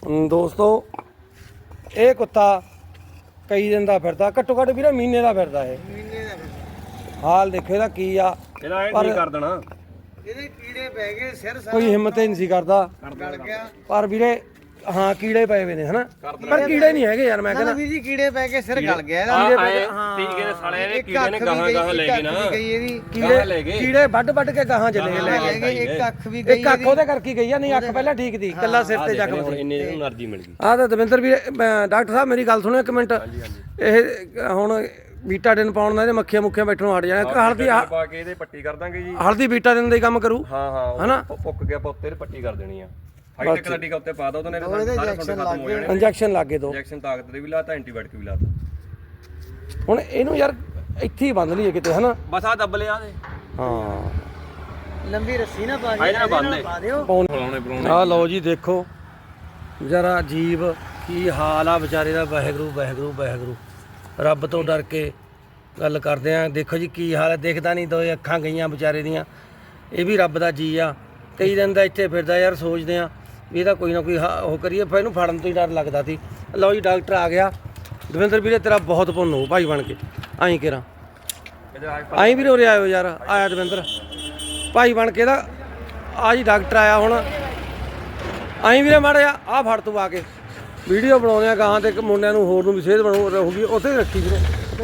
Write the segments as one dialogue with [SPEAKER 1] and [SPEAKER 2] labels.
[SPEAKER 1] ਦੋਸਤੋ ਇਹ ਕੁੱਤਾ ਕਈ ਦਿਨ ਦਾ ਫਿਰਦਾ, ਘੱਟੋ ਘੱਟ ਵੀਰੇ ਮਹੀਨੇ ਦਾ ਫਿਰਦਾ ਇਹ। ਹਾਲ ਦੇਖੋ ਇਹਦਾ ਕੀ ਆ।
[SPEAKER 2] ਇਹਦਾ ਇਹ ਨਹੀਂ ਕਰ ਦੇਣਾ,
[SPEAKER 3] ਇਹਦੇ ਕੀੜੇ ਪੈ ਗਏ ਸਿਰ ਸਾਰਾ
[SPEAKER 1] ਕੋਈ ਹਿੰਮਤ ਹੀ ਨਹੀਂ ਸੀ ਕਰਦਾ,
[SPEAKER 3] ਗਲ ਗਿਆ।
[SPEAKER 1] ਪਰ ਵੀਰੇ ਹਾਂ ਕੀੜੇ ਪਏ ਹੋਏ ਨੇ ਹਨਾ, ਪਰ ਕੀੜੇ ਨਹੀਂ ਹੈਗੇ ਯਾਰ। ਮੈਂ ਕਹਿੰਦਾ
[SPEAKER 3] ਵੀਰ ਜੀ ਕੀੜੇ ਪੈ ਕੇ ਸਿਰ ਗਲ ਗਿਆ ਇਹਦਾ।
[SPEAKER 2] ਟੀਕੇ ਦੇ ਸਾਲੇ ਨੇ ਕੀੜੇ ਨੇ ਗਾਹਾਂ ਗਾਹਾਂ ਲੈ ਗਏ ਨਾ,
[SPEAKER 1] ਕੀੜੇ ਵੱਢ ਕੇ ਗਾਹਾਂ ਚਲੇ ਗਏ।
[SPEAKER 3] ਇੱਕ ਅੱਖ ਵੀ ਗਈ,
[SPEAKER 1] ਇੱਕ ਅੱਖ ਉਹਦੇ ਕਰਕੇ ਗਈ ਆ, ਨਹੀਂ ਅੱਖ ਪਹਿਲਾਂ ਠੀਕ ਸੀ, ਕੱਲਾ ਸਿਰ ਤੇ ਜ਼ਖਮ ਸੀ।
[SPEAKER 2] ਇੰਨੇ ਨੂੰ એનર્ਜੀ ਮਿਲ ਗਈ।
[SPEAKER 1] ਆਹ ਤਾਂ ਦਵਿੰਦਰ ਵੀਰੇ ਡਾਕਟਰ ਸਾਹਿਬ ਮੇਰੀ ਗੱਲ ਸੁਣੋ ਇੱਕ ਮਿੰਟ। ਇਹ ਹੁਣ ਬੀਟਾਡਿਨ ਪਾਉਣ ਨਾਲ ਇਹਦੇ ਮੱਖੀਆਂ ਮੁੱਖੀਆਂ ਬੈਠਣੋਂ ਹਟ ਜਾਣਾ। ਹਲਦੀ
[SPEAKER 2] ਪਾ ਕੇ ਇਹਦੇ ਪੱਟੀ ਕਰ ਦਾਂਗੇ ਜੀ।
[SPEAKER 1] ਹਲਦੀ ਬੀਟਾਡਿਨ ਦਾ ਹੀ ਕੰਮ ਕਰੂ।
[SPEAKER 2] ਹਾਂ
[SPEAKER 1] ਹਨਾ
[SPEAKER 2] ਪੁੱਕ ਗਿਆ ਪੁੱਤੇ ਤੇ ਪੱਟੀ ਕਰ ਦੇਣੀ ਆ। ਹਾਈ ਟੈਕ ਦਾ ਟੀਕਾ ਉੱਤੇ ਪਾ ਦੋ, ਉਹਨੇ ਸਾਰੇ ਖਤਮ ਹੋ ਜਾਣੇ।
[SPEAKER 1] ਇੰਜੈਕਸ਼ਨ ਲੱਗੇ ਦੋ,
[SPEAKER 2] ਇੰਜੈਕਸ਼ਨ ਤਾਕਤ ਦੇ ਵੀ ਲਾਤਾ, ਐਂਟੀਬਾਇਓਟਿਕ ਵੀ ਲਾਤਾ।
[SPEAKER 1] ਹੁਣ ਇਹਨੂੰ ਯਾਰ ਇੱਥੇ ਹੀ ਬੰਦ ਲਈਏ ਕਿਤੇ ਹਨਾ।
[SPEAKER 2] ਬਸ ਆ ਦੱਬ ਲਿਆ ਦੇ।
[SPEAKER 1] ਹਾਂ
[SPEAKER 3] ਲੰਬੀ ਰੱਸੀ ਨਾ ਪਾ
[SPEAKER 2] ਇਹਦੇ ਨਾਲ ਬੰਨ੍ਹ
[SPEAKER 3] ਪਾ ਦਿਓ।
[SPEAKER 2] ਫਲਾਉਣੇ
[SPEAKER 1] ਆਹ ਲਓ ਜੀ ਦੇਖੋ ਜਰਾ ਅਜੀਬ ਕੀ ਹਾਲ ਆ ਵਿਚਾਰੇ ਦਾ। ਵਾਹਿਗੁਰੂ ਵਾਹਿਗੁਰੂ ਵਾਹਿਗੁਰੂ, ਰੱਬ ਤੋਂ ਡਰ ਕੇ ਗੱਲ ਕਰਦੇ ਆ। ਦੇਖੋ ਜੀ ਕੀ ਹਾਲ ਹੈ, ਦਿਖਦਾ ਨਹੀਂ, ਦੋ ਅੱਖਾਂ ਗਈਆਂ ਵਿਚਾਰੇ ਦੀਆਂ। ਇਹ ਵੀ ਰੱਬ ਦਾ ਜੀ ਆ, ਕਈ ਦਿਨ ਦਾ ਇੱਥੇ ਫਿਰਦਾ ਯਾਰ। ਸੋਚਦੇ ਆ ਵੀ ਇਹਦਾ ਕੋਈ ਨਾ ਕੋਈ ਉਹ ਕਰੀਏ, ਫਿਰ ਇਹਨੂੰ ਫੜਨ ਤੋਂ ਹੀ ਡਰ ਲੱਗਦਾ ਸੀ। ਲਓ ਜੀ ਡਾਕਟਰ ਆ ਗਿਆ। ਦਵਿੰਦਰ ਵੀਰੇ ਤੇਰਾ ਬਹੁਤ ਪੁੰਨ ਹੋ ਭਾਈ ਬਣ ਕੇ, ਆਈ ਕੇਰਾ ਆਈ ਵੀਰੇ ਉਰੇ ਆਇਓ ਯਾਰ। ਆਇਆ ਦਵਿੰਦਰ ਭਾਈ ਬਣ ਕੇ ਦਾ ਆ ਜੀ, ਡਾਕਟਰ ਆਇਆ ਹੁਣ। ਆਈ ਵੀਰੇ ਮਾੜਾ ਆ ਫੜ ਤੂੰ ਆ ਕੇ ਵੀਡੀਓ ਬਣਾਉਂਦੇ ਆ ਗਾਹਾਂ ਤੇ ਮੁੰਡਿਆਂ ਨੂੰ ਹੋਰ ਨੂੰ ਵੀ ਸਿਹਤ ਬਣੂ ਰਹੂਗੀ, ਉੱਥੇ ਰੱਖੀ ਵੀਰੇ।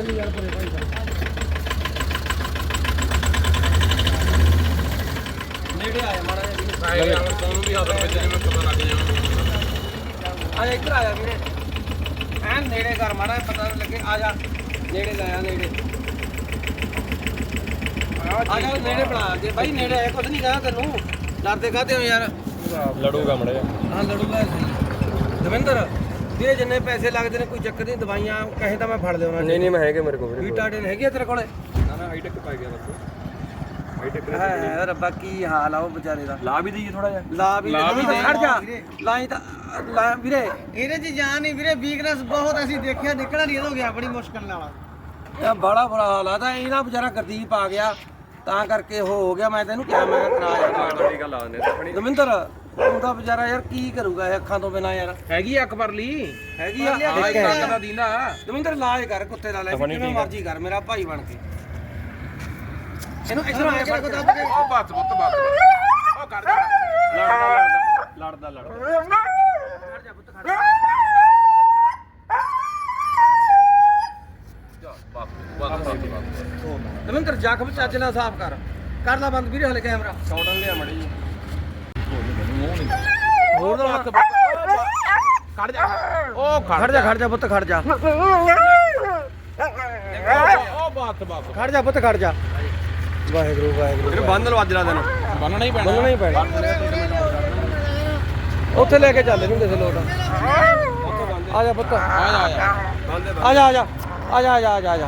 [SPEAKER 1] ਨੇੜੇ ਆਇਆ ਮਾੜਾ ਜਿਹਾ
[SPEAKER 2] ਤੁਹਾਨੂੰ ਵੀ ਹੱਥ ਵਿੱਚ ਜਿਵੇਂ ਪਤਾ ਲੱਗ ਜਾਣਾ।
[SPEAKER 1] ਆ ਇੱਧਰ ਆਇਆ ਵੀਰੇ, ਐਨ ਨੇੜੇ ਕਰ ਮਾੜਾ ਜਿਹਾ ਪਤਾ ਲੱਗੇ। ਆ ਜਾ ਨੇੜੇ ਲਾਇਆ, ਨੇੜੇ ਆ ਜਾ, ਨੇੜੇ ਬਣਾ ਦੇ ਬਾਈ। ਨੇੜੇ ਆਇਆ ਕੁਝ ਨਹੀਂ ਕਹਾ ਤੈਨੂੰ, ਡਰਦੇ ਕਾਹਤੇ ਹੋ ਯਾਰ।
[SPEAKER 2] ਲੜੂਗਾ ਮੜਾ ਜਾ।
[SPEAKER 1] ਹਾਂ ਲੜੂਗਾ ਸਹੀ। ਦਵਿੰਦਰ ਵੀਰੇ ਜਿੰਨੇ ਪੈਸੇ ਲੱਗਦੇ ਨੇ ਕੋਈ ਚੱਕਰ ਨਹੀਂ, ਦਵਾਈਆਂ ਕਹੇ ਤਾਂ ਮੈਂ ਫੜ ਲਿਆਉਣਾ।
[SPEAKER 2] ਨਹੀਂ ਨਹੀਂ ਮੈਂ ਹੈਗੇ ਮੇਰੇ ਕੋਲ।
[SPEAKER 1] ਬੀਟਾਡਿਨ ਹੈਗੀ ਆ ਤੇਰੇ ਕੋਲੇ?
[SPEAKER 2] ਨਾ ਨਾ ਹਾਈ ਟੈਕ ਪਾ ਗਿਆ ਬਸ। ਹਾਈ ਟੈਕ
[SPEAKER 1] ਹੈ ਰੱਬਾ ਕੀ ਹਾਲ ਆ ਉਹ ਵਿਚਾਰੇ ਦਾ।
[SPEAKER 2] ਲਾ ਵੀ ਦਈਏ ਥੋੜਾ ਜਿਹਾ।
[SPEAKER 1] ਲਾ ਵੀ ਖੜ ਜਾ, ਲਾਈ ਤਾਂ ਲਾ ਵੀਰੇ।
[SPEAKER 3] ਇਹਦੇ ਚ ਜਾਨ ਨਹੀਂ ਵੀਰੇ, ਵੀਕਨੈਸ ਬਹੁਤ ਅਸੀਂ ਦੇਖਿਆ, ਨਿਕਲਣਾ ਨਹੀਂ ਇਹਦੋਂ ਗਿਆ ਬੜੀ ਮੁਸ਼ਕਲ ਨਾਲ।
[SPEAKER 1] ਇਹ ਬੜਾ ਬੁਰਾ ਹਾਲ ਆ। ਤਾਂ ਇਹਦਾ ਵਿਚਾਰਾ ਗਰਦੀਪ ਆ ਗਿਆ ਤਾਂ ਕਰਕੇ ਉਹ ਹੋ ਗਿਆ। ਮੈਂ ਤੈਨੂੰ ਕਿਹਾ ਮੈਂ ਕਰਾਇਆ
[SPEAKER 2] ਟੀਕਾ ਲਾ ਦਿੰਦੇ।
[SPEAKER 1] ਦਵਿੰਦਰ ਉਹਦਾ ਵਿਚਾਰਾ ਯਾਰ ਕੀ ਕਰੂਗਾ ਇਹ ਅੱਖਾਂ ਤੋਂ ਬਿਨਾ ਯਾਰ।
[SPEAKER 2] ਹੈਗੀ ਆ ਅਕਬਰ ਲਈ,
[SPEAKER 1] ਹੈਗੀ ਆ
[SPEAKER 2] ਇੱਕ ਦਾ ਦੀਨਾ।
[SPEAKER 1] ਦਵਿੰਦਰ ਇਲਾਜ ਕਰ ਕੁੱਤੇ ਦਾ, ਲੈ ਕਿਵੇਂ ਮਰਜ਼ੀ ਕਰ ਮੇਰਾ ਭਾਈ ਬਣ ਕੇ। ਇਹਨੂੰ ਇਧਰ ਆ ਕੇ ਦੱਬ ਕੇ
[SPEAKER 2] ਉਹ ਬੱਤ ਉਹ ਕਰ ਦੇ। ਲੜਦਾ
[SPEAKER 1] ਖੜ ਜਾ ਪੁੱਤ ਖੜ ਜਾ। ਦਵਿੰਦਰ ਜ਼ਖਮ ਚੱਜ ਨਾਲ ਸਾਫ਼ ਕਰ ਲਾ ਬੰਦ ਵੀਰੇ ਹਲੇ ਕੈਮਰਾ।
[SPEAKER 2] ਸ਼ਾਟਨ ਲਿਆ ਮੜੀ ਜੀ।
[SPEAKER 1] ਹੋਰ ਨਾ ਹੱਥ
[SPEAKER 2] ਖੜ ਜਾ। ਉਹ
[SPEAKER 1] ਖੜ ਜਾ ਪੁੱਤ ਖੜ ਜਾ।
[SPEAKER 2] ਉਹ ਬੱਤ
[SPEAKER 1] ਖੜ ਜਾ ਪੁੱਤ ਖੜ ਜਾ। ਵਾਹਿਗੁਰੂ ਵਾਹਿਗੁਰੂ।
[SPEAKER 2] ਇਹਨੂੰ ਬੰਨ ਲਓ ਅੱਜ ਦਾ ਦਿਨ। ਬੰਨਣਾ ਹੀ
[SPEAKER 1] ਬੰਨਣਾ ਹੀ ਪੈਣਾ। ਉੱਥੇ ਲੈ ਕੇ ਚੱਲ ਇਹਨੂੰ ਕਿਸੇ ਲੋਟ। ਆ ਜਾ ਪੁੱਤ, ਆ ਜਾ ਆ ਜਾ ਆ ਜਾ ਆ ਜਾ ਆ ਜਾ ਆ ਜਾ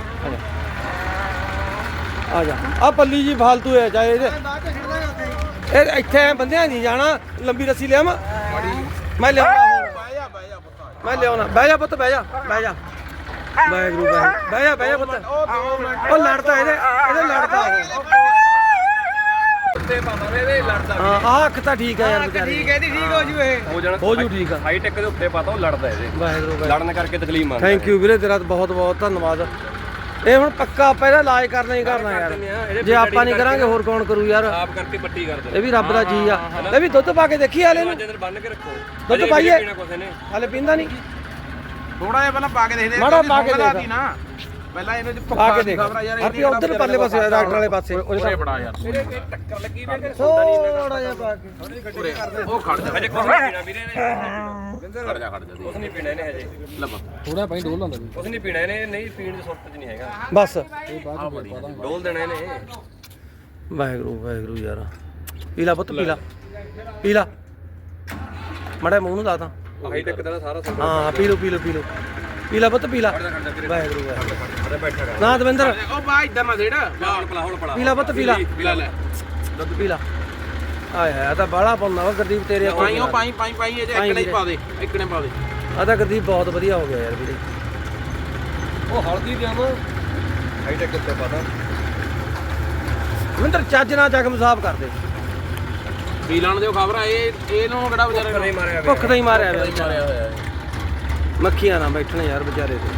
[SPEAKER 1] ਆ ਜਾ। ਆ ਪੱਲੀ ਜੀ ਫਾਲਤੂ ਹੈ ਚਾਹੇ ਇਹਦੇ। ਇਹ ਇੱਥੇ ਬੰਦਿਆਂ ਨਹੀਂ ਜਾਣਾ। ਲੰਬੀ ਰੱਸੀ ਲਿਆ ਮੈਂ ਲਿਆਉਣਾ। ਮੈਂ ਲਿਆਉਣਾ। ਬਹਿ ਜਾ ਪੁੱਤ, ਬਹਿ ਜਾ ਬਹਿ ਜਾ। ਵਾਹਿਗੁਰੂ ਬਹਿ ਜਾ ਪੁੱਤ। ਉਹ ਲੜਦਾ ਇਹਦੇ ਲੜਦਾ ਉਹ।
[SPEAKER 2] ਉੱਤੇ ਪਾਵਾਂਗੇ ਇਹਦੇ ਲੜਦਾ।
[SPEAKER 1] ਹਾਂ ਆਹ ਅੱਖ ਤਾਂ ਠੀਕ ਹੈ ਯਾਰ ਵਿਚਾਰੀ।
[SPEAKER 3] ਠੀਕ ਹੈ ਜੀ, ਠੀਕ ਹੋ ਜੂ ਇਹ।
[SPEAKER 2] ਹੋ ਜਾਣਾ
[SPEAKER 1] ਹੋ ਜੂ ਠੀਕ ਆ।
[SPEAKER 2] ਹਾਈ ਟੈਕ ਦੇ ਉੱਤੇ ਪਾਤਾ ਉਹ ਲੜਦਾ ਇਹਦੇ।
[SPEAKER 1] ਵਾਹਿਗੁਰੂ
[SPEAKER 2] ਲੜਨ ਕਰਕੇ ਤਕਲੀਫ ਮੰਨਦਾ।
[SPEAKER 1] ਥੈਂਕ ਯੂ ਵੀਰੇ ਤੇਰਾ ਬਹੁਤ ਬਹੁਤ ਧੰਨਵਾਦ। ਇਹ ਹੁਣ ਪੱਕਾ ਆਪਾਂ ਇਹਦਾ ਇਲਾਜ ਕਰਨਾ ਹੀ ਕਰਨਾ ਯਾਰ। ਜੇ ਆਪਾਂ ਨਹੀਂ ਕਰਾਂਗੇ ਹੋਰ ਕੌਣ ਕਰੂ ਯਾਰ।
[SPEAKER 2] ਆਪ ਕਰਕੇ ਪੱਟੀ ਕਰ ਦੇ।
[SPEAKER 1] ਇਹ ਵੀ ਰੱਬ ਦਾ ਜੀ ਆ। ਇਹ ਵੀ ਦੁੱਧ ਪਾ ਕੇ ਦੇਖੀ ਹਾਲੇ ਨੂੰ।
[SPEAKER 2] ਅੰਦਰ ਬੰਨ ਕੇ ਰੱਖੋ।
[SPEAKER 1] ਦੁੱਧ ਪਾਈਏ
[SPEAKER 2] ਪੀਣਾ ਕੁਛ ਨੇ।
[SPEAKER 1] ਹਾਲੇ ਪੀਂਦਾ ਨਹੀਂ।
[SPEAKER 4] ਥੋੜਾ ਜਿਹਾ ਪਹਿਲਾਂ ਪਾ ਕੇ ਦੇਖਦੇ
[SPEAKER 1] ਮਾੜਾ ਪਾ ਕੇ ਦੇਖ
[SPEAKER 4] ਨਾ। ਪਹਿਲਾਂ ਇਹਨੂੰ
[SPEAKER 1] ਪਾ ਕੇ ਦੇਖ। ਆਪੀ ਉਧਰ ਪਰਲੇ ਪਾਸੇ ਡਾਕਟਰ ਵਾਲੇ ਪਾਸੇ
[SPEAKER 4] ਉਹਦੇ ਬੜਾ ਯਾਰ
[SPEAKER 2] ਮੇਰੇ ਟੱਕਰ ਲੱਗੀ ਵੀ ਤੇ
[SPEAKER 1] ਥੋੜਾ ਜਿਹਾ ਪਾ ਕੇ।
[SPEAKER 4] ਉਹ ਖੜ ਜਾ।
[SPEAKER 2] ਹਜੇ ਕੁਛ ਨਹੀਂ ਪੀਣਾ ਵੀਰੇ ਨੇ। ਖੜ ਜਾ ਕੁਛ ਨਹੀਂ ਪੀਣਾ ਇਹਨੇ ਹਜੇ। ਲੱਭ
[SPEAKER 1] ਥੋੜਾ ਪਾਈ ਡੋਲ ਲਾਂਦਾ
[SPEAKER 2] ਕੁਛ ਨਹੀਂ ਪੀਣਾ ਇਹਨੇ। ਨਹੀਂ ਪੀਣ ਦੀ ਸੁਰਤ ਚ ਨਹੀਂ ਹੈਗਾ।
[SPEAKER 1] ਬਸ
[SPEAKER 2] ਡੋਲ ਦੇਣਾ ਇਹਨੇ।
[SPEAKER 1] ਵਾਹਿਗੁਰੂ ਵਾਹਿਗੁਰੂ ਯਾਰ। ਪੀਲਾ ਪੁੱਤ ਪੀਲਾ ਪੀਲਾ ਮੜਾ ਮੂੰਹ ਨੂੰ ਲਾ ਤਾਂ।
[SPEAKER 2] ਹਾਈ ਟੈਕ ਦਾ ਸਾਰਾ ਸੰਭਲ।
[SPEAKER 1] ਹਾਂ ਪੀ ਲਓ ਪੀਲਾ ਪੁੱਤ ਪੀਲਾ। ਵਾਹਿਗੁਰੂ ਵਾਹਿਗੁਰੂ।
[SPEAKER 2] ਬੈਠਾ ਕਰ।
[SPEAKER 1] ਨਾ ਦਵਿੰਦਰ
[SPEAKER 4] ਉਹ ਬਾ ਇਦਾਂ ਨਾ ਦੇੜ
[SPEAKER 2] ਹੁਣ ਪਲਾ
[SPEAKER 1] ਪੀਲਾ ਪੁੱਤ ਪੀਲਾ
[SPEAKER 4] ਪੀਲਾ ਲੈ।
[SPEAKER 1] ਦੁੱਧ ਪੀਲਾ। ਆਏ ਹੈ ਤਾਂ ਬਾਹਲਾ ਪਾਉਂਦਾ ਵਾ ਗੁਰਦੀਪ ਤੇਰੇ
[SPEAKER 4] ਪਾਈ ਉਹ ਪਾਈ ਇਹ ਜੇ ਇੱਕਣੇ ਹੀ ਪਾ ਦੇ, ਇੱਕਣੇ ਪਾ ਦੇ।
[SPEAKER 1] ਆ ਤਾਂ ਗੁਰਦੀਪ ਬਹੁਤ ਵਧੀਆ ਹੋ ਗਿਆ ਯਾਰ ਵੀਰੇ।
[SPEAKER 2] ਉਹ ਹਲਦੀ ਦੇ ਆਵਾਂ। ਹਾਈ ਟੈਕ ਉੱਤੇ ਪਾਤਾ।
[SPEAKER 1] ਦਵਿੰਦਰ ਚੱਜ ਨਾਲ ਜ਼ਖਮ ਸਾਫ਼ ਕਰ ਦੇ।
[SPEAKER 4] ਮੀਲਾਂ ਦੇ ਖਬਰ ਆ ਇਹਨੂੰ ਕਿਹੜਾ ਵਿਚਾਰੇ
[SPEAKER 2] ਨਹੀਂ ਮਾਰਿਆ
[SPEAKER 1] ਭੁੱਖ ਤਾਂ ਹੀ ਮਾਰਿਆ ਵੇ
[SPEAKER 4] ਮਾਰਿਆ ਹੋਇਆ
[SPEAKER 1] ਮੱਖੀਆਂ ਨਾ ਬੈਠਣ ਯਾਰ ਵਿਚਾਰੇ ਤੇ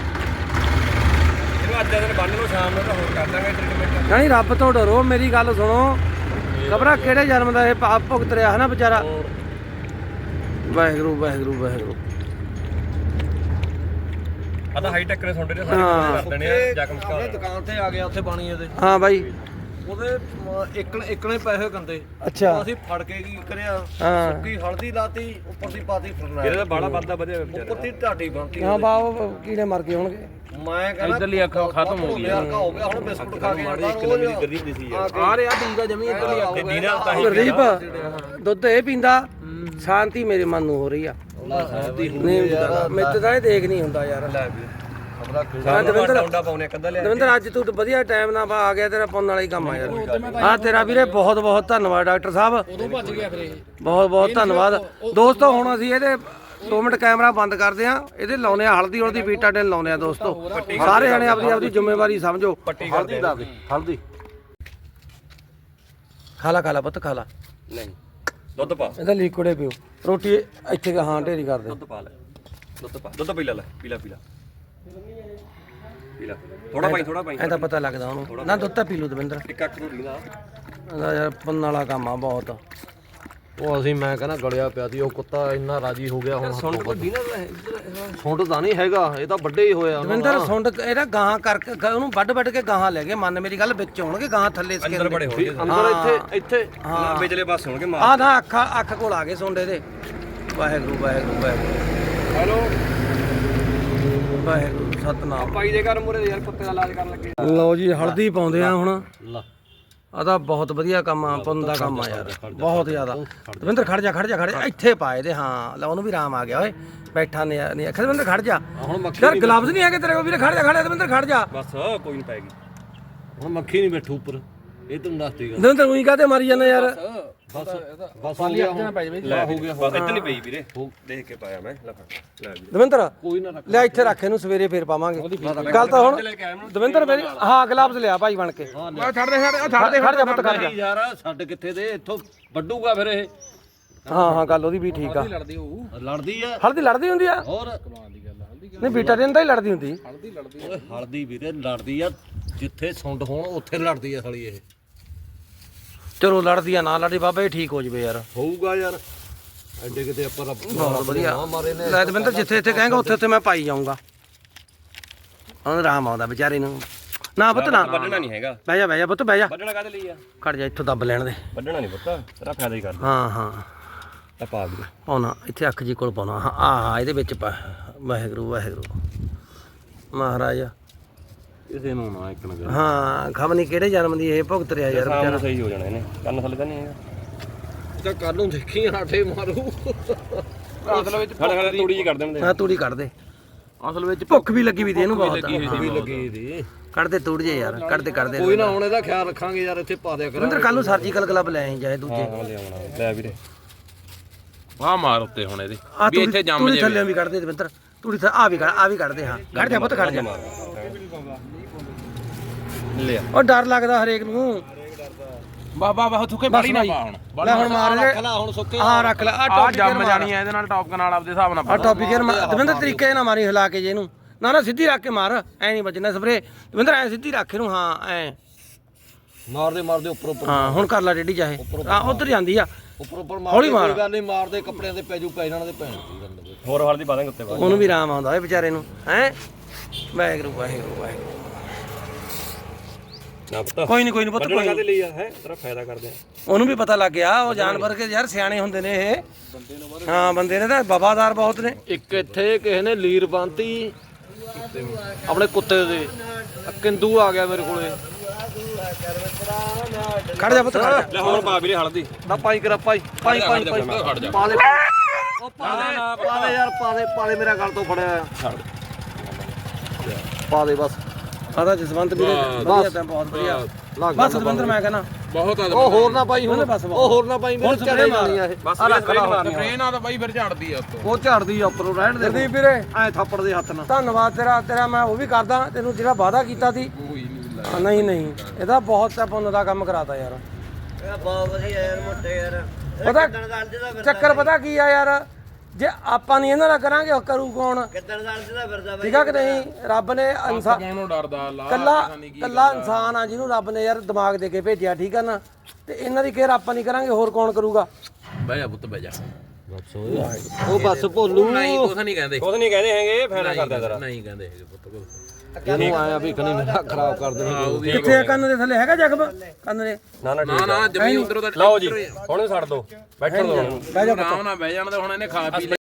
[SPEAKER 2] ਇਹਨੂੰ ਅੱਜ ਦਿਨ ਬੰਨ ਨੂੰ ਸ਼ਾਮ ਨੂੰ ਤਾਂ ਹੋਰ ਕਰ ਦਾਂਗੇ ਟ੍ਰੀਟਮੈਂਟ।
[SPEAKER 1] ਨਹੀਂ ਰੱਬ ਤੋਂ ਡਰੋ, ਮੇਰੀ ਗੱਲ ਸੁਣੋ। ਖਬਰਾਂ ਕਿਹੜੇ ਜਨਮ ਦਾ ਇਹ ਪਾਪ ਭੁਗਤ ਰਿਹਾ ਹੈ ਨਾ ਵਿਚਾਰਾ। ਵਾਹਿਗੁਰੂ ਵਾਹਿਗੁਰੂ ਵਾਹਿਗੁਰੂ।
[SPEAKER 2] ਆਦਾ ਹਾਈ ਟੈਕ ਨੇ ਤੁਹਾਡੇ ਦੇ ਸਾਰੇ
[SPEAKER 1] ਹਾਂ।
[SPEAKER 2] ਕਰ ਦੇਣੇ ਆ ਜ਼ਖਮ
[SPEAKER 5] ਆਪਣੇ ਦੁਕਾਨ ਤੇ ਆ ਗਿਆ ਉੱਥੇ ਪਾਣੀ ਇਹਦੇ
[SPEAKER 1] ਹਾਂ ਬਾਈ।
[SPEAKER 5] ਉਹਦੇ ਇਕਣੇ ਪੈਸੇ ਕੰਦੇ
[SPEAKER 1] ਅੱਛਾ
[SPEAKER 5] ਅਸੀਂ ਫੜ ਕੇ ਕੀ ਕਰਿਆ
[SPEAKER 1] ਹਾਂ
[SPEAKER 5] ਸੁੱਕੀ ਹਲਦੀ ਲਾਤੀ ਉੱਪਰ ਦੀ ਪਾਤੀ ਫਰਨਾ
[SPEAKER 2] ਇਹਦਾ ਬਾੜਾ ਵੱਧਦਾ ਵਧਿਆ ਵਿਚਾਰਾ।
[SPEAKER 5] ਉੱਪਰ ਦੀ ਢਾਟੀ ਬਣਤੀ
[SPEAKER 1] ਹਾਂ ਬਾਬਾ ਕੀੜੇ ਮਰ ਗਏ ਹੋਣਗੇ।
[SPEAKER 5] ਮੈਂ ਕਹਿੰਦਾ
[SPEAKER 4] ਇੱਧਰਲੀ ਅੱਖ ਖਤਮ ਹੋ ਗਈ
[SPEAKER 5] ਹੋ ਗਿਆ ਹੁਣ ਬਿਸਕੁਟ ਖਾ ਕੇ
[SPEAKER 2] ਗਰੀ ਹੁੰਦੀ ਸੀ ਯਾਰ।
[SPEAKER 4] ਆ ਰਿਹਾ ਟੀਕਾ ਜਮੀ ਇੱਧਰਲੀ ਅੱਖ
[SPEAKER 2] ਤੇ ਦੀਨਾ ਤਾਂ ਹੀ
[SPEAKER 1] ਗਰੀਬ ਦੁੱਧ ਇਹ ਪੀਂਦਾ, ਸ਼ਾਂਤੀ ਮੇਰੇ ਮਨ ਨੂੰ ਹੋ ਰਹੀ ਆ। ਨਹੀਂ ਮੇਰੇ ਤਾਂ ਇਹ ਦੇਖ ਨਹੀਂ ਹੁੰਦਾ ਯਾਰ। ਹਾਂ ਦਵਿੰਦਰ
[SPEAKER 2] ਡਾਉਂਡਾ ਪਾਉਣੇ ਕੱਦਾ ਲਿਆ।
[SPEAKER 1] ਦਵਿੰਦਰ ਅੱਜ ਤੂੰ ਵਧੀਆ ਟਾਈਮ ਨਾਲ ਆ ਗਿਆ, ਤੇਰਾ ਪੁੰਨ ਵਾਲਾ ਹੀ ਕੰਮ ਆ ਯਾਰ। ਹਾਂ ਤੇਰਾ ਵੀਰੇ ਬਹੁਤ ਬਹੁਤ ਧੰਨਵਾਦ ਡਾਕਟਰ ਸਾਹਿਬ।
[SPEAKER 4] ਉਦੋਂ ਭੱਜ ਗਿਆ ਫਿਰ ਇਹ
[SPEAKER 1] ਬਹੁਤ ਬਹੁਤ ਧੰਨਵਾਦ ਦੋਸਤੋ। ਹੁਣ ਅਸੀਂ ਇਹਦੇ 2 ਮਿੰਟ ਕੈਮਰਾ ਬੰਦ ਕਰਦੇ ਆ, ਇਹਦੇ ਲਾਉਨੇ ਆ ਹਲਦੀ ਉਲਦੀ ਬੀਟਾਡਿਨ ਲਾਉਨੇ ਆ ਦੋਸਤੋ। ਸਾਰੇ ਜਣੇ ਆਪਦੀ ਆਪਦੀ ਜ਼ਿੰਮੇਵਾਰੀ ਸਮਝੋ।
[SPEAKER 5] ਹਲਦੀ ਲਾ ਦੇ ਹਲਦੀ
[SPEAKER 1] ਖਾ ਲਾ ਪੁੱਤ ਖਾ ਲਾ।
[SPEAKER 2] ਨਹੀਂ ਦੁੱਧ ਪਾ
[SPEAKER 1] ਇਹਦਾ ਲਿਕੁਇਡ ਪੀਓ। ਰੋਟੀ ਇੱਥੇ ਹਾਂ ਢੇਰੀ ਕਰ ਦੇ।
[SPEAKER 2] ਦੁੱਧ ਪਾ ਲੈ ਦੁੱਧ ਪਾ ਦੁੱਧ ਪੀ ਲੈ ਪੀਲਾ ਪੀਲਾ ਪੀਲਾ ਥੋੜਾ ਪਾਈ ਥੋੜਾ ਪਾਈ
[SPEAKER 1] ਐ ਤਾਂ ਪਤਾ ਲੱਗਦਾ ਉਹਨੂੰ ਨਾ। ਦੁੱਧ ਤਾਂ ਪੀ ਲੂ ਦਵਿੰਦਰ।
[SPEAKER 2] ਇੱਕ ਅੱਖ ਨੂੰ ਲੀਦਾ
[SPEAKER 1] ਇਹਦਾ ਯਾਰ ਪੁੰਨ ਵਾਲਾ ਕੰਮ ਆ ਬਹੁਤ।
[SPEAKER 5] ਉਹ ਅਸੀਂ ਮੈਂ ਕਹਿੰਦਾ ਗਲਿਆ ਪਿਆ ਸੀ ਉਹ ਕੁੱਤਾ ਇੰਨਾ ਰਾਜੀ ਹੋ ਗਿਆ ਹੁਣ
[SPEAKER 2] ਸੁਣ ਕੋ ਦੀਨਾ
[SPEAKER 5] ਸੁੰਡ ਤਾਂ ਨਹੀਂ ਹੈਗਾ ਇਹ ਤਾਂ ਵੱਡੇ ਹੀ ਹੋਇਆ
[SPEAKER 1] ਦਵਿੰਦਰ ਸੁੰਡ ਇਹਦਾ ਗਾਹਾਂ ਕਰਕੇ ਉਹਨੂੰ ਵੱਢ ਕੇ ਗਾਹਾਂ ਲੈ ਗਏ। ਮੰਨ ਮੇਰੀ ਗੱਲ ਵਿੱਚ ਹੋਣਗੇ ਗਾਹਾਂ ਥੱਲੇ ਸਕੇ
[SPEAKER 2] ਅੰਦਰ ਬੜੇ ਹੋਣਗੇ
[SPEAKER 5] ਅੰਦਰ ਇੱਥੇ
[SPEAKER 2] ਹਾਂ ਵਿਚਲੇ ਪਾਸੇ ਹੋਣਗੇ ਮਾਰ।
[SPEAKER 1] ਆਹ ਨਾ ਅੱਖ ਕੋਲ ਆ ਗਏ ਸੁੰਡੇ ਦੇ। ਵਾਹਿਗੁਰੂ ਵਾਹਿਗੁਰੂ ਵਾਹਿਗੁਰੂ
[SPEAKER 2] ਹੈਲੋ
[SPEAKER 1] ਵਾਹਿਗੁਰੂ ਸਤਨਾਮ।
[SPEAKER 2] ਪਾਈ ਦੇ ਘਰ ਮੂਰੇ ਯਾਰ ਕੁੱਤੇ ਦਾ ਇਲਾਜ ਕਰਨ ਲੱਗੇ।
[SPEAKER 1] ਲਓ ਜੀ ਹਲਦੀ ਪਾਉਂਦੇ ਆ ਹੁਣ।
[SPEAKER 5] ਲਾ
[SPEAKER 1] ਆ ਤਾਂ ਬਹੁਤ ਵਧੀਆ ਕੰਮ ਆ, ਪੁੰਨ ਦਾ ਕੰਮ ਆ ਯਾਰ ਬਹੁਤ ਜ਼ਿਆਦਾ। ਦਵਿੰਦਰ ਖੜ ਜਾ ਇੱਥੇ ਪਾਏ ਦੇ। ਹਾਂ ਲੈ ਉਹਨੂੰ ਵੀ ਆਰਾਮ ਆ ਗਿਆ ਓਏ ਬੈਠਾ ਨਹੀਂ ਆਖਿਆ ਦਵਿੰਦਰ ਖੜ ਜਾ।
[SPEAKER 5] ਹੁਣ ਮੱਖੀ
[SPEAKER 1] ਯਾਰ ਗਲਵਜ਼ ਨਹੀਂ ਹੈਗੇ ਤੇਰੇ ਕੋਲ ਵੀਰੇ। ਖੜ ਜਾ ਦਵਿੰਦਰ ਖੜ ਜਾ।
[SPEAKER 2] ਬਸ ਕੋਈ ਨਹੀਂ ਪਾਏਗੀ।
[SPEAKER 5] ਹੁਣ ਮੱਖੀ ਨਹੀਂ ਬੈਠੂ ਉੱਪਰ ਇਹ ਤੈਨੂੰ ਦੱਸ ਦੇਗਾ
[SPEAKER 1] ਦਵਿੰਦਰ ਉਹੀ ਕਾਤੇ ਮਾਰੀ ਜਾਂਦਾ ਯਾਰ।
[SPEAKER 5] ਬਸ ਹੋ ਗਿਆ ਹੁਣ
[SPEAKER 2] ਲੈ ਹੋ ਗਿਆ ਬਸ ਇੱਥੇ ਨਹੀਂ ਪਈ ਵੀਰੇ ਦੇਖ ਕੇ ਪਾਇਆ ਮੈਂ ਲੈ ਲੈ ਵੀਰੇ
[SPEAKER 1] ਦਵਿੰਦਰ
[SPEAKER 5] ਕੋਈ ਨਾ ਰੱਖ
[SPEAKER 1] ਲੈ ਇੱਥੇ ਰੱਖ ਇਹਨੂੰ, ਸਵੇਰੇ ਫੇਰ ਪਾਵਾਂਗੇ। ਗੱਲ ਤਾਂ ਹੁਣ ਦਵਿੰਦਰ ਮੇਰੀ ਹਾਂ ਗਲਵਜ਼ ਲਿਆ ਭਾਈ ਬਣ ਕੇ।
[SPEAKER 4] ਮੈਂ ਛੱਡ ਦੇ
[SPEAKER 1] ਖੜ ਜਾ ਪੁੱਤ ਖੜ ਜਾ।
[SPEAKER 5] ਯਾਰ ਛੱਡ ਕਿੱਥੇ ਦੇ ਇੱਥੋਂ ਵੱਡੂਗਾ ਫਿਰ ਇਹ
[SPEAKER 1] ਹਾਂ ਗੱਲ ਉਹਦੀ ਵੀ ਠੀਕ ਆ।
[SPEAKER 4] ਲੜਦੀ ਹੋਊ
[SPEAKER 5] ਲੜਦੀ ਆ
[SPEAKER 1] ਹਲਦੀ ਲੜਦੀ ਹੁੰਦੀ ਆ।
[SPEAKER 5] ਹੋਰ
[SPEAKER 1] ਨਹੀਂ ਬੀਟਾਡਿਨ ਤਾਂ ਹੀ ਲੜਦੀ ਹੁੰਦੀ।
[SPEAKER 5] ਓਏ ਹਲਦੀ ਵੀਰੇ ਲੜਦੀ ਆ ਜਿੱਥੇ ਸੁੰਡ ਹੋਣ ਉੱਥੇ ਲੜਦੀ ਆ ਸਾਲੀ ਇਹ।
[SPEAKER 1] ਚਲੋ ਲੜਦੀ ਆ ਨਾ ਲੜਦੀ ਬਾਬਾ ਇਹ ਠੀਕ ਹੋ ਜਵੇ ਯਾਰ।
[SPEAKER 5] ਹੋਊਗਾ ਯਾਰ ਐਡੇ ਕਿਤੇ ਆਪਾਂ
[SPEAKER 1] ਬਹੁਤ ਵਧੀਆ।
[SPEAKER 5] ਮਾਰੇ ਨੇ
[SPEAKER 1] ਲੈ ਦਵਿੰਦਰ ਜਿੱਥੇ ਇੱਥੇ ਕਹੇਗਾ ਉੱਥੇ ਮੈਂ ਪਾਈ ਜਾਊਂਗਾ। ਉਹਨੂੰ ਆਰਾਮ ਆਉਂਦਾ ਵਿਚਾਰੇ ਨੂੰ। ਨਾ ਪੁੱਤ ਨਾ
[SPEAKER 2] ਵੱਢਣਾ ਨਹੀਂ ਹੈਗਾ।
[SPEAKER 1] ਬਹਿ ਜਾ ਪੁੱਤ ਬਹਿ ਜਾ।
[SPEAKER 2] ਵੱਢਣਾ ਕਾਹਦੇ ਲਈ ਆ?
[SPEAKER 1] ਖੜ ਜਾ ਇੱਥੋਂ ਦੱਬ ਲੈਣ ਦੇ।
[SPEAKER 2] ਵੱਢਣਾ ਨਹੀਂ ਪੁੱਤ ਤੇਰਾ ਫਾਇਦਾ ਹੀ ਕਰਦਾ।
[SPEAKER 1] ਹਾਂ
[SPEAKER 2] ਤਾਂ ਪਾ ਵੀਰੇ
[SPEAKER 1] ਪਾਉਣਾ ਇੱਥੇ ਅੱਖ ਜੀ ਕੋਲ ਪਾਉਣਾ। ਹਾਂ ਇਹਦੇ ਵਿੱਚ ਪਾ। ਵਾਹਿਗੁਰੂ ਵਾਹਿਗੁਰੂ ਮਹਾਰਾਜ।
[SPEAKER 5] ਕਿਸੇ ਨੂੰ ਨਾ ਇੱਕ ਨਾ
[SPEAKER 1] ਹਾਂ ਖਬ ਨਹੀਂ ਕਿਹੜੇ ਜਨਮ ਦੀ ਇਹ ਭੁਗਤ ਰਿਹਾ ਯਾਰ
[SPEAKER 2] ਸ਼ਾਮ
[SPEAKER 1] ਵਿਚਾਰਾ।
[SPEAKER 2] ਨੂੰ ਸਹੀ ਹੋ ਜਾਣਾ ਇਹਨੇ ਕੰਨ ਥੱਲੇ ਤਾਂ ਨਹੀਂ ਹੈਗਾ।
[SPEAKER 5] ਤਾਂ ਕੱਲ ਨੂੰ ਦੇਖੀ ਆਟੇ ਮਾਰੂ
[SPEAKER 4] ਅਸਲ ਵਿੱਚ
[SPEAKER 2] ਖੜਾ ਤੂੜੀ ਜੀ ਕਰ ਦੇਣ
[SPEAKER 1] ਹਾਂ ਤੂੜੀ ਕੱਢ ਦੇ।
[SPEAKER 4] ਅਸਲ ਵਿੱਚ
[SPEAKER 1] ਭੁੱਖ ਵੀ ਲੱਗੀ ਵੀ ਤੇ ਇਹਨੂੰ ਬਹੁਤ।
[SPEAKER 5] ਵੀ ਲੱਗੀ ਦੀ
[SPEAKER 1] ਕੱਢ ਦੇ ਤੂੜ ਜੇ ਯਾਰ ਕੱਢ ਦੇ।
[SPEAKER 5] ਕੋਈ ਨਾ ਹੁਣ ਇਹਦਾ ਖਿਆਲ ਰੱਖਾਂਗੇ ਯਾਰ ਇੱਥੇ ਪਾ ਦਿਆ
[SPEAKER 1] ਦਵਿੰਦਰ ਕੱਲ ਨੂੰ ਸਰਜੀਕਲ ਗਲਵ ਲੈ ਆਈ ਜਾਏ ਦੂਜੇ।
[SPEAKER 2] ਹਾਂ ਲਿਆਉਣਾ ਲੈ ਵੀਰੇ
[SPEAKER 4] ਆ ਮਾਰ ਉੱਤੇ ਹੁਣ ਇਹਦੇ
[SPEAKER 1] ਆ
[SPEAKER 4] ਵੀ ਇੱਥੇ ਜੰਮ
[SPEAKER 1] ਤੂੜੀ
[SPEAKER 4] ਜੇ
[SPEAKER 1] ਥੱਲੇ ਵੀ ਕੱਢ ਦੇ ਦਵਿੰਦਰ। ਤੂੜੀ ਆ ਵੀ ਕੱਢ ਦੇ। ਹਾਂ ਕੱਢ ਜਾ ਪੁੱਤ ਕੱਢ ਜਾ।
[SPEAKER 2] ਲਿਆ
[SPEAKER 1] ਉਹ ਡਰ ਲੱਗਦਾ ਹਰੇਕ ਨੂੰ।
[SPEAKER 4] ਬਾਬਾ ਥੁੱਕੇ ਬੜੀ ਨਾ ਪਾ ਹੁਣ
[SPEAKER 1] ਲੈ ਹੁਣ ਮਾਰ ਲੈ
[SPEAKER 5] ਹੁਣ ਸੁੱਕੇ
[SPEAKER 1] ਹਾਂ ਰੱਖ ਲੈ। ਆ
[SPEAKER 4] ਆ
[SPEAKER 1] ਟੌਪਿਕ
[SPEAKER 4] ਜੰਮ ਜਾਣੀ ਆ ਇਹਦੇ ਨਾਲ ਟੌਪ ਨਾਲ ਆਪਦੇ ਹਿਸਾਬ ਨਾਲ
[SPEAKER 1] ਆ ਟੌਪਿਕ ਦਵਿੰਦਰ ਤਰੀਕੇ ਨਾਲ ਮਾਰੀ ਹਿਲਾ ਕੇ ਜੇ ਇਹਨੂੰ। ਨਾ ਸਿੱਧੀ ਰੱਖ ਕੇ ਮਾਰ ਐ ਨਹੀਂ ਵੱਜਣਾ ਸਪਰੇ। ਦਵਿੰਦਰ ਐ ਸਿੱਧੀ ਰੱਖ ਇਹਨੂੰ। ਹਾਂ ਐ
[SPEAKER 5] ਮਾਰਦੇ ਉੱਪਰ
[SPEAKER 1] ਹਾਂ ਹੁਣ ਕਰ ਲੈ ਡੇਡੀ ਚਾਹੇ। ਆ ਉਧਰ ਜਾਂਦੀ ਆ
[SPEAKER 5] ਉੱਪਰ
[SPEAKER 1] ਹੌਲੀ ਮਾਰ।
[SPEAKER 5] ਕੋਈ ਗੱਲ ਨਹੀਂ ਮਾਰਦੇ ਕੱਪੜਿਆਂ ਤੇ ਪੈਜੂ ਪੈ ਜਾਣ ਦੇ ਭੈਣ ਦੀ ਗੱਲ
[SPEAKER 2] ਹੋਰ ਹਲਦੀ ਪਾ ਦਾਂਗੇ ਉੱਤੇ ਬਾਅਦ
[SPEAKER 1] ਉਹਨੂੰ ਵੀ ਆਰਾਮ ਆਉਂਦਾ ਓਏ ਵਿਚਾਰੇ ਨੂੰ। ਹੈ ਵਾਹਿਗੁਰੂ ਵਾਹਿਗੁਰੂ।
[SPEAKER 2] ਨਾ ਪੁੱਤ
[SPEAKER 1] ਕੋਈ ਨਹੀਂ ਪੁੱਤ
[SPEAKER 2] ਵੱਢਣਾ
[SPEAKER 1] ਕੋਈ
[SPEAKER 2] ਕਾਹਦੇ
[SPEAKER 1] ਨੀ।
[SPEAKER 2] ਲਈ ਆ ਹੈ ਤੇਰਾ ਫਾਇਦਾ ਕਰਦੇ ਆ।
[SPEAKER 1] ਉਹਨੂੰ ਵੀ ਪਤਾ ਲੱਗ ਗਿਆ। ਉਹ ਜਾਨਵਰ ਕੇ ਯਾਰ ਸਿਆਣੇ ਹੁੰਦੇ ਨੇ ਇਹ। ਹਾਂ ਬੰਦੇ ਨੇ ਤਾਂ ਵਫਾਦਾਰ ਬਹੁਤ ਨੇ।
[SPEAKER 5] ਇੱਕ ਇੱਥੇ ਕਿਸੇ ਨੇ ਲੀਰ ਬੰਨਤੀ ਆਪਣੇ ਕੁੱਤੇ ਦੇ। ਕਿੰਦੂ ਆ ਗਿਆ ਮੇਰੇ ਕੋਲੇ।
[SPEAKER 1] ਖੜ ਜਾ ਪੁੱਤ ਖੜ ਜਾ।
[SPEAKER 2] ਲੈ ਹੋਰ ਪਾ ਵੀਰੇ ਹਲਦੀ
[SPEAKER 5] ਨਾ ਪਾਈ ਕਰਾ ਪਾਈ ਪਾਈ ਪਾ ਦੇ ਉਹ ਪਾ ਦੇ ਯਾਰ ਪਾ ਦੇ ਮੇਰਾ ਗਲ ਤੋਂ ਫੜਿਆ ਪਾ ਦੇ ਬਸ।
[SPEAKER 1] ਆਦਾ ਜਸਵੰਤ ਵੀਰੇ ਵਧੀਆ ਤਾਂ ਬਹੁਤ ਵਧੀਆ। ਬਸ ਦਵਿੰਦਰ ਮੈਂ ਕਹਿੰਦਾ
[SPEAKER 4] ਬਹੁਤ ਆ
[SPEAKER 5] ਉਹ ਹੋਰ ਨਾ ਪਾਈ ਹੁਣ
[SPEAKER 1] ਬਸ
[SPEAKER 5] ਉਹ ਹੋਰ ਨਾ ਪਾਈ ਮੇਰੇ ਝੜੇ ਮਾਰਨੀ ਆ ਇਹ
[SPEAKER 2] ਬਸ
[SPEAKER 5] ਆ ਰੱਖ ਲਾ
[SPEAKER 4] ਟ੍ਰੇਨ ਆ ਤਾਂ ਬਾਈ ਫਿਰ ਝਾੜਦੀ ਆ ਉੱਤੋਂ।
[SPEAKER 5] ਉਹ ਝਾੜਦੀ ਆ ਉੱਪਰੋਂ ਰਹਿਣ ਦੇ
[SPEAKER 1] ਜਰਦੀਪ ਵੀਰੇ
[SPEAKER 5] ਐ ਥੱਪੜ ਦੇ ਹੱਥ ਨਾਲ।
[SPEAKER 1] ਧੰਨਵਾਦ ਤੇਰਾ ਮੈਂ ਉਹ ਵੀ ਕਰਦਾ ਤੈਨੂੰ ਜਿਹੜਾ ਵਾਅਦਾ ਕੀਤਾ ਸੀ। ਨਹੀਂ ਇਹਦਾ ਬਹੁਤ ਪੁੰਨ ਦਾ ਕੰਮ ਕਰਾਤਾ ਯਾਰ।
[SPEAKER 3] ਬਹੁਤ ਵਧੀਆ ਯਾਰ ਮੋਟੇ ਯਾਰ।
[SPEAKER 1] ਪਤਾ ਚੱਕਰ ਪਤਾ ਕੀ ਆ ਯਾਰ, ਜੇ ਆਪਾਂ ਨਹੀਂ ਇਹਨਾਂ ਦਾ ਕਰਾਂਗੇ ਉਹ ਕਰੂ ਕੌਣ? ਠੀਕ ਆ ਕਿ ਨਹੀਂ? ਰੱਬ ਨੇ ਇਨਸਾਨ
[SPEAKER 4] ਕੌਣੋਂ ਡਰਦਾ ਲਾ
[SPEAKER 1] ਕੱਲਾ ਇਨਸਾਨ ਆ ਜਿਹਨੂੰ ਰੱਬ ਨੇ ਯਾਰ ਦਿਮਾਗ ਦੇ ਕੇ ਭੇਜਿਆ, ਠੀਕ ਆ ਨਾ? ਤੇ ਇਹਨਾਂ ਦੀ ਕੇਅਰ ਆਪਾਂ ਨਹੀਂ ਕਰਾਂਗੇ, ਹੋਰ ਕੌਣ ਕਰੂਗਾ?
[SPEAKER 4] ਬਹਿ ਜਾ ਪੁੱਤ ਬਹਿ ਜਾ।
[SPEAKER 5] ਉਹ ਬਸ ਭੋਲੂ
[SPEAKER 4] ਨਹੀਂ ਕੁਛ ਨਹੀਂ ਕਹਿੰਦੇ,
[SPEAKER 2] ਕੁਝ ਨਹੀਂ ਕਹਿੰਦੇ ਹੈਗੇ, ਫੈਨਾ ਕਰਦਾ ਤੇਰਾ।
[SPEAKER 4] ਨਹੀਂ ਕਹਿੰਦੇ ਹੈਗੇ ਪੁੱਤ ਕੁਛ।
[SPEAKER 5] ਇਹਨੂੰ ਆਇਆ ਵੀ ਖਣੀ ਮੇਰਾ ਖਰਾਬ ਕਰ ਦੇਣੀ।
[SPEAKER 1] ਕਿੱਥੇ ਆ ਕੰਨ ਦੇ ਥੱਲੇ ਹੈਗਾ ਜ਼ਖਮ ਕੰਨ ਦੇ?
[SPEAKER 2] ਨਾ ਨਾ
[SPEAKER 4] ਨਾ ਨਾ ਜਮੀ ਉਧਰੋਂ ਦਾ
[SPEAKER 2] ਲਓ ਜੀ ਹੁਣ ਛੱਡ ਦੋ, ਬੈਠਣ ਦੋ ਹੁਣ।
[SPEAKER 1] ਬਹਿ ਜਾ
[SPEAKER 4] ਆਰਾਮ ਨਾਲ ਬਹਿ ਜਾਣ ਤੇ ਹੁਣ ਇਹਨੇ ਖਾ ਪੀ ਲਿਆ।